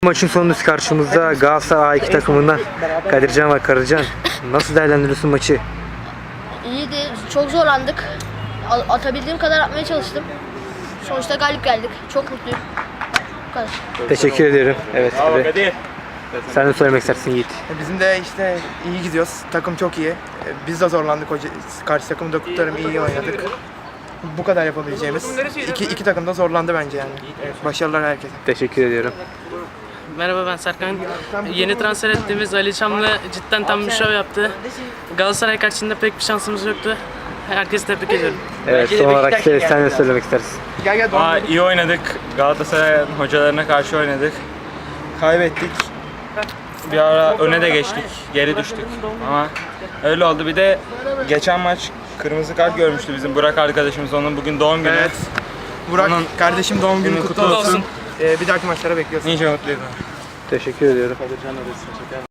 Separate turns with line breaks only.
Maçın sonundası karşımızda Galatasaray A2 takımından Kadircan ve Karacan. Nasıl değerlendiriyorsun maçı?
İyiydi. Çok zorlandık. Atabildiğim kadar atmaya çalıştım. Sonuçta galip geldik. Çok mutluyum. Bu kadar.
Teşekkür ederim. Evet. Abi. Sen de söylemek istersin Yiğit.
Bizim de işte iyi gidiyoruz. Takım çok iyi. Biz de zorlandık. Karşı takımı da kurtarım iyi oynadık. Bu kadar yapabileceğimiz. İki takım da zorlandı bence yani. Başarılar herkese.
Teşekkür ediyorum.
Merhaba, ben Serkan. Yeni transfer ettiğimiz Ali Çamlı cidden tam bir şov yaptı. Galatasaray karşısında pek bir şansımız yoktu. Herkesi tebrik ediyorum.
Evet, son olarak sen de söylemek istersin.
Gel.
İyi oynadık. Galatasaray'ın hocalarına karşı oynadık. Kaybettik. Bir ara öne de geçtik. Geri düştük. Ama öyle oldu. Bir de geçen maç kırmızı kart görmüştü bizim Burak arkadaşımız. Onun bugün doğum günü.
Evet. Burak
Onun
kardeşim doğum günü kutlu olsun. Bir dahaki maçlara bekliyoruz.
Nice mutluyum.
Teşekkür ediyorum.